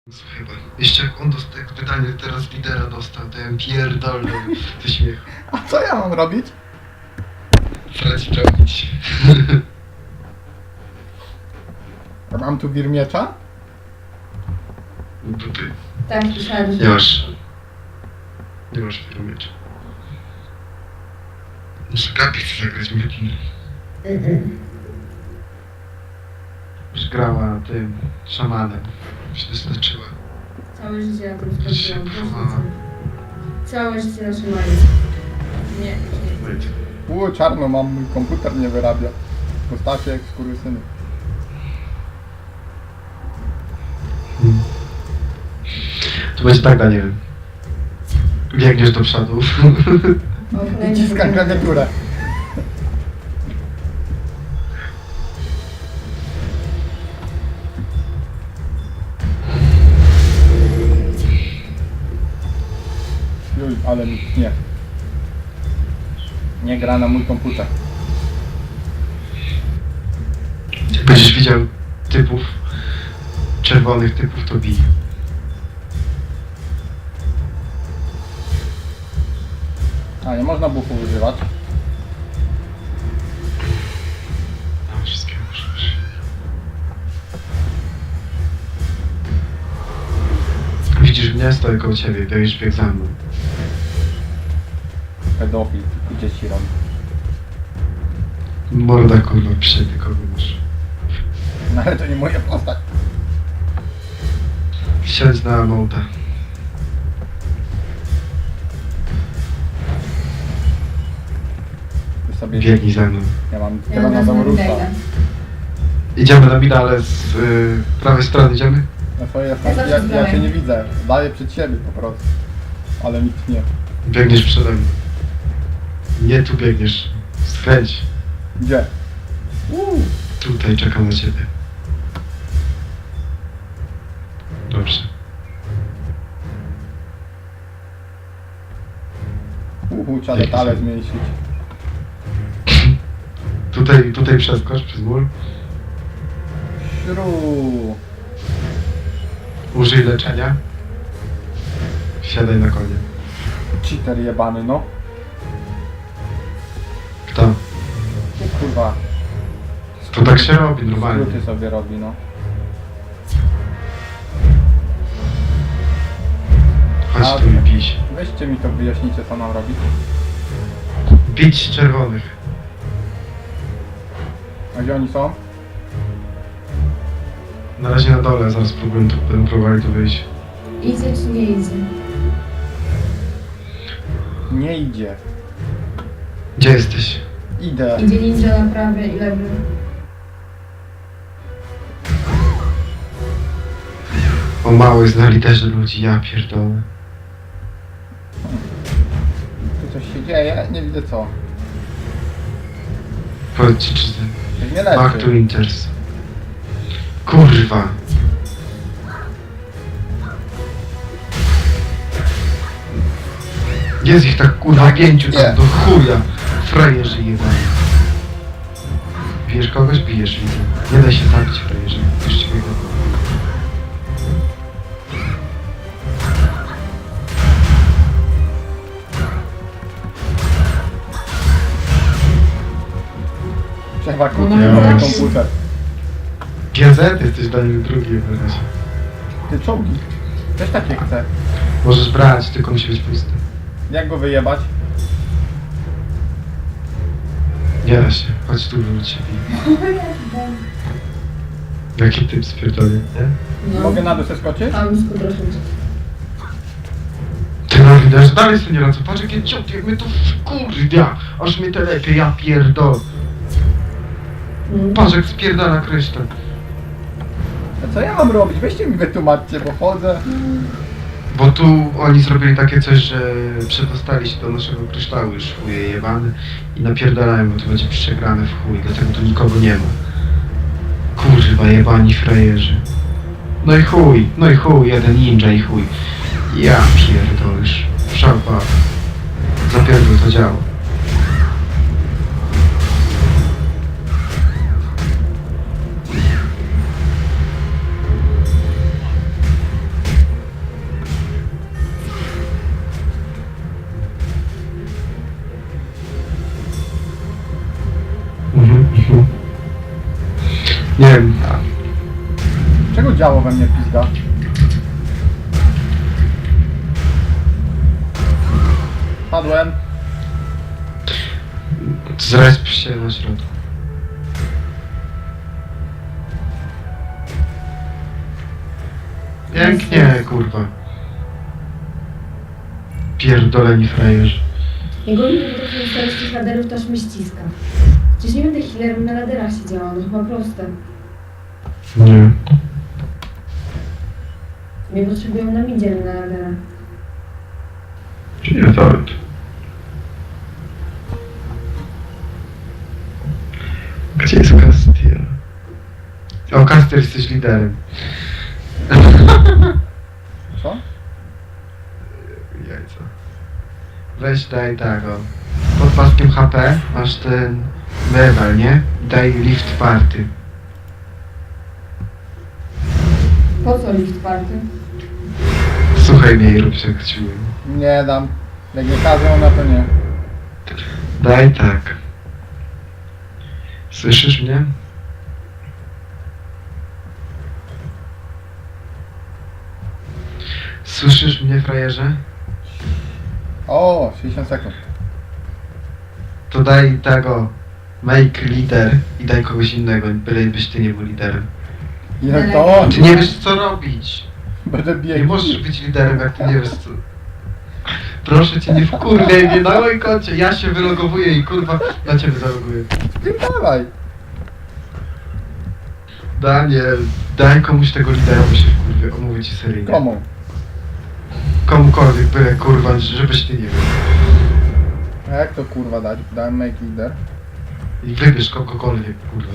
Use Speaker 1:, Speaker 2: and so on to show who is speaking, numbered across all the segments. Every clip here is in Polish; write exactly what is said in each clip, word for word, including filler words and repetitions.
Speaker 1: Chyba. Jeszcze jak on dostał, jak pytanie teraz lidera dostał, to ja pierdolę ze śmiechu.
Speaker 2: A co ja mam robić?
Speaker 1: Frać robić.
Speaker 2: A mam tu wir miecza?
Speaker 1: Dupy.
Speaker 3: Tak, pisali.
Speaker 1: Nie masz. Nie masz firmiecza. Muszę Gabi chce zagrać Metin. Już grała tym szamanem. Się doznaczyła.
Speaker 3: Całe życie na tym
Speaker 1: Się
Speaker 3: spędziłam.
Speaker 1: próbowała.
Speaker 3: Całe życie na szymaniu. Nie, nie.
Speaker 1: Wait.
Speaker 2: U, czarno mam, mój komputer nie wyrabia. Postacie jak skurwysyny.
Speaker 1: Hmm. To będzie tak, Daniel. Biegniesz do przodu.
Speaker 3: O, kolejny
Speaker 2: Naciskam
Speaker 3: problem.
Speaker 2: klawiaturę. Juj, ale mi nie. Nie gra na mój komputer.
Speaker 1: Jak będziesz widział typów, czerwonych typów, to bij.
Speaker 2: A, nie można buchów używać.
Speaker 1: No, wszystkiego możesz. Widzisz mnie? Stoję koło ciebie, biegiesz bieg za mną.
Speaker 2: Pedofil i dzieci robi.
Speaker 1: Morda kurwa, przyjdę kogo masz.
Speaker 2: No ale to nie moja postać.
Speaker 1: Siedź na mołda.
Speaker 2: Ty sobie...
Speaker 1: Biegnij za mną.
Speaker 2: Ja mam
Speaker 3: Ja mam
Speaker 2: tyrannozaurusza.
Speaker 3: na
Speaker 1: Idziemy na mida, ale z y, prawej strony idziemy?
Speaker 2: No to jest,
Speaker 3: Ja
Speaker 2: ja,
Speaker 3: zawsze
Speaker 2: ja, ja
Speaker 3: zbrałem.
Speaker 2: cię nie widzę. Daję przed siebie po prostu. Ale nikt nie.
Speaker 1: Biegniesz przede mną. Nie tu biegniesz. Skręć.
Speaker 2: Gdzie? Uuu.
Speaker 1: Tutaj czekam na ciebie. Dobrze.
Speaker 2: Uhu, trzeba
Speaker 1: Jaki
Speaker 2: detale
Speaker 1: są?
Speaker 2: zmniejszyć.
Speaker 1: Tutaj, tutaj przeskocz przez mur.
Speaker 2: Śru.
Speaker 1: Użyj leczenia. Siadaj na konie.
Speaker 2: Cheater jebany, no.
Speaker 1: Kto?
Speaker 2: O kurwa.
Speaker 1: To tak się robi normalnie.
Speaker 2: Skróty sobie robi, no.
Speaker 1: Chodź tu i bij się.
Speaker 2: Weźcie mi to, wyjaśnijcie co mam robić.
Speaker 1: Bić czerwonych.
Speaker 2: A gdzie oni są?
Speaker 1: Na razie na dole, zaraz próbuję tu, będę próbowali tu wyjść.
Speaker 3: Idzie czy nie idzie?
Speaker 2: Nie idzie.
Speaker 1: Gdzie jesteś?
Speaker 2: Idę.
Speaker 3: Idzie ninja na prawy i lewy.
Speaker 1: O mały znali też ludzi, ja pierdolę.
Speaker 2: Tu coś się dzieje, nie widzę co.
Speaker 1: Powiedz ci, czy ty...
Speaker 2: Coś mnie
Speaker 1: Back to
Speaker 2: leczy.
Speaker 1: Winters. Kurwa. Jest ich tak kurwa pięciu
Speaker 2: Nie.
Speaker 1: tam do chuja. Frajerzy jebani. Bijesz kogoś? Bijesz, widzę. Nie daj się zabić, frajerzy. Już ci biegną.
Speaker 2: Trzeba kupić
Speaker 3: No,
Speaker 2: nowy
Speaker 3: no.
Speaker 2: komputer.
Speaker 1: G Z jesteś dla nich drugi w razie.
Speaker 2: Ty czołgi. Też takie chcę.
Speaker 1: Możesz brać, tylko musi być pusty.
Speaker 2: Jak go wyjebać?
Speaker 1: Nie da się. Chodź tu, wróć się bij. Jaki typ spierdolę, nie?
Speaker 3: No.
Speaker 2: Mogę na dół zeskoczyć?
Speaker 3: Tam skutroszeć.
Speaker 1: Ty no widać, że dalej sobie nie radzę. Patrz jakie ciąg, jak mnie to wkurwia. Aż mnie to lepiej, ja pierdol.
Speaker 3: Mm.
Speaker 1: Patrz jak spierdala kryształ.
Speaker 2: A co ja mam robić? Weźcie mi wytłumaczcie, bo chodzę.
Speaker 1: Bo tu oni zrobili takie coś, że przedostali się do naszego kryształu już chuje jebany i napierdalają, bo to będzie przegrane w chuj, dlatego tu nikogo nie ma. Kurwa jebani frajerzy. No i chuj, no i chuj, jeden ninja i chuj. Ja pierdolisz. Szalpa. Zapierdol to działa.
Speaker 2: Działo we mnie pizga. Padłem.
Speaker 1: Zresp się na środku. Pięknie, kurwa. Pierdoleni frajerzy.
Speaker 3: Jego nie potrafię ustawić tych laderów, to aż mnie ściska. Przecież nie będę healerem na laderach siedziała, no chyba proste.
Speaker 1: Nie.
Speaker 3: Mnie potrzebują na midzie, nie na laderach.
Speaker 1: Nie nawet. Gdzie jest Castiel? O, Castiel, jesteś liderem.
Speaker 2: Co?
Speaker 1: Jajca. Weź daj tak o. Pod paskiem H P masz ten medal, nie? Daj lift party.
Speaker 3: Po co lift party?
Speaker 1: Słuchaj mnie i rób co chciałem.
Speaker 2: Nie dam. Jak nie każą, na to nie.
Speaker 1: Daj tak. Słyszysz mnie? Słyszysz mnie, frajerze?
Speaker 2: O, sześćdziesiąt sekund.
Speaker 1: To daj tego. Make lider i daj kogoś innego, bylebyś ty nie był liderem.
Speaker 2: Jak to on?
Speaker 1: Ty nie wiesz co robić.
Speaker 2: Będę
Speaker 1: Nie
Speaker 2: biegł.
Speaker 1: możesz być liderem, jak ty nie wiesz co. Proszę cię, nie wkurwiaj mnie na moim koncie. Ja się wylogowuję i kurwa na ciebie zaloguję.
Speaker 2: Dawaj.
Speaker 1: Daniel, daj komuś tego lidera, bo się wkurwię. Omówię ci seryjnie.
Speaker 2: Komu?
Speaker 1: Komukolwiek, byle kurwa, żebyś ty nie wiem.
Speaker 2: A jak to kurwa dać? Dałem make leader.
Speaker 1: I wybierz kogokolwiek, kurwa.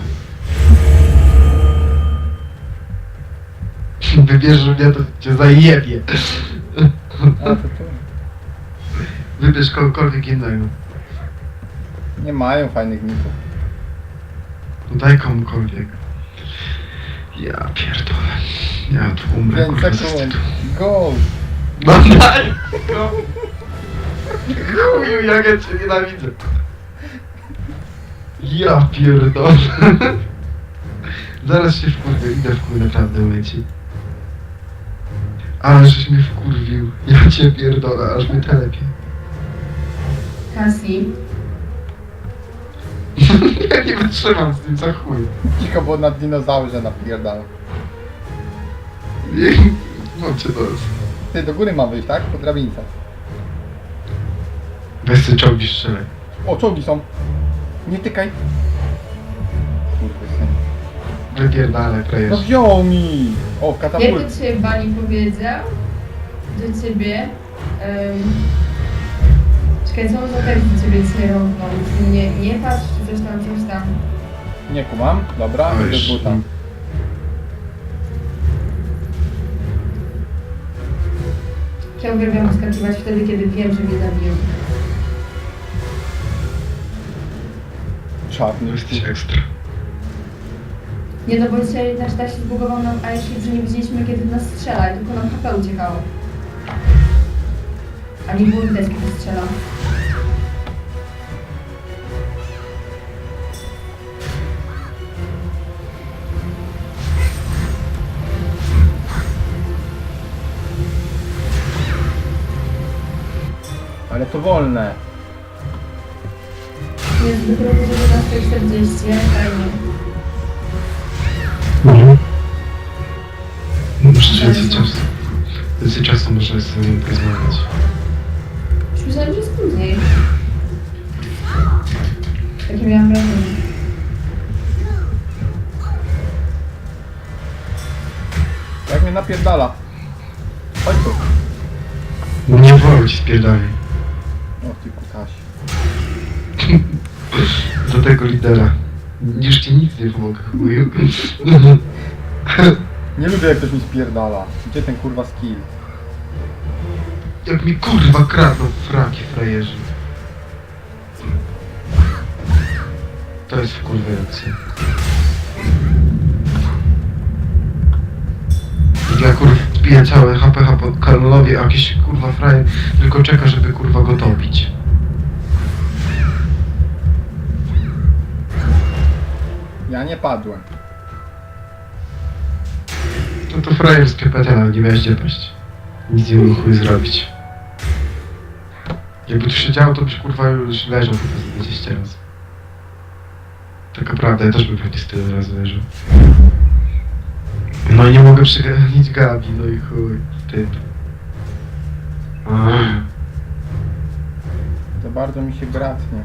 Speaker 1: Wybierz mnie, to cię zajebie.
Speaker 2: A to tu.
Speaker 1: Wybierz kogokolwiek innego.
Speaker 2: Nie mają fajnych ników.
Speaker 1: No daj komukolwiek. Ja pierdolę. Ja tu umrę,
Speaker 2: pięć
Speaker 1: kurwa, ze
Speaker 2: sekund.
Speaker 1: wstydu.
Speaker 2: Go!
Speaker 1: No daj! No. Chuju, jak ja cię nienawidzę. Ja pierdolę. Zaraz się wkurwię, idę w chuj naprawdę leci. Ale żeś mnie wkurwił. Ja cię pierdolę, aż mnie telepie.
Speaker 3: Cassie,
Speaker 1: Ja nie wytrzymam z tym, za chuj.
Speaker 2: Cicho, bo na dinozaurze napierdał.
Speaker 1: Mam cię dos.
Speaker 2: Ty do góry ma wyjść, tak? Po drabince.
Speaker 1: Weź sobie czołgi strzelaj.
Speaker 2: O, czołgi są. Nie tykaj. Kurwa, syn.
Speaker 1: Wypierdalaj,
Speaker 2: No
Speaker 1: frajerze.
Speaker 2: wziął mi! O,
Speaker 3: jak
Speaker 2: katapult.
Speaker 3: do ciebie Bani powiedział, do ciebie, um, czekaj, co on za tekst do ciebie dzisiaj rąbnął? Nie, nie patrz, czy coś tam, coś tam.
Speaker 2: Nie kumam. Dobra,
Speaker 1: O,
Speaker 2: idę z
Speaker 1: już.
Speaker 2: buta.
Speaker 3: Ja uwielbiam wyskakiwać wtedy, kiedy wiem, że mnie zabiją.
Speaker 2: Czarny.
Speaker 1: Jesteś ekstra.
Speaker 3: Nie no, bo dzisiaj nasz tak się zbugował nam airship, że nie widzieliśmy, kiedy do nas strzela i tylko nam H P uciekało. A nie było widać, kiedy strzela.
Speaker 2: Ale to wolne.
Speaker 3: Jest dopiero po dziewiętnastej czterdzieści, fajnie.
Speaker 1: Mhm. Muszę więcej czasu. Więcej czasu można z nim porozmawiać.
Speaker 3: Już myślałem, że jest później. Takie miałam wrażenie.
Speaker 2: Jak mnie napierdala. Chodź tu.
Speaker 1: No nie wolno ci spierdalej.
Speaker 2: O ty kutaś.
Speaker 1: Za tego lidera. Już ci nic nie pomogę, chuju.
Speaker 2: Nie lubię jak ktoś mi spierdala. Gdzie ten kurwa skill?
Speaker 1: Jak mi kurwa kradną fraki frajerzy. To jest wkurwiające. Ja kurwa wbiję całe H P H po Karolowi, a jakiś kurwa frajer tylko czeka, żeby kurwa go topić.
Speaker 2: Ja nie padłem.
Speaker 1: To No to frajerskie P T, nawet nie miałeś gdzie paść. Nic nie mógł chuj zrobić. Jakby tu się działo, to byś kurwa już leżał chyba z dwadzieścia razy. Taka prawda, ja też bym pewnie z tyle razy leżał. No i nie mogę przeganić Gabi, no i chuj, typ. Ach.
Speaker 2: To bardzo mi się gratnie.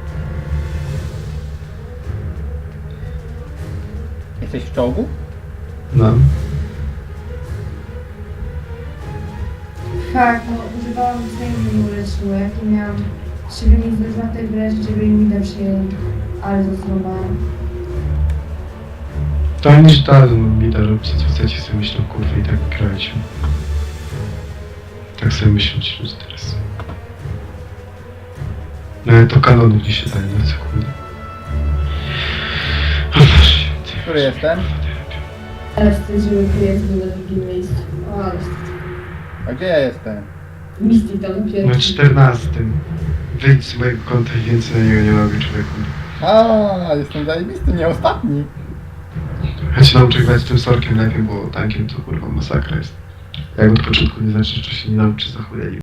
Speaker 2: Jesteś w czołgu?
Speaker 1: No.
Speaker 3: Tak, no używałam swojego nie uleczyło, jak to miałam siebie mi zdezwartej wreszcie, żeby mi da przyjęli, ale zastosowałam.
Speaker 1: To oni już dadzą mi da robić, co chcecie sobie myślą, kurwa, i tak grajcie. Tak sobie myślą ci ludzie teraz. No ale to kanonu gdzieś się daje na sekundę. O Boże święty.
Speaker 2: Który jestem?
Speaker 3: Ale wstyd, żeby klient był na drugim miejscu. O, ale wstyd.
Speaker 2: A gdzie ja jestem?
Speaker 3: Misty tam
Speaker 1: Na
Speaker 3: pierwszy.
Speaker 1: czternastym. Wyjdź z mojego konta i więcej na niego nie robię, człowieku.
Speaker 2: A, jestem zajebisty, nie ostatni.
Speaker 1: Ja się nauczę grać tym sorkiem lepiej, bo tankiem to kurwa masakra jest. Jak od początku nie znaczy, że się nie nauczy za chuja i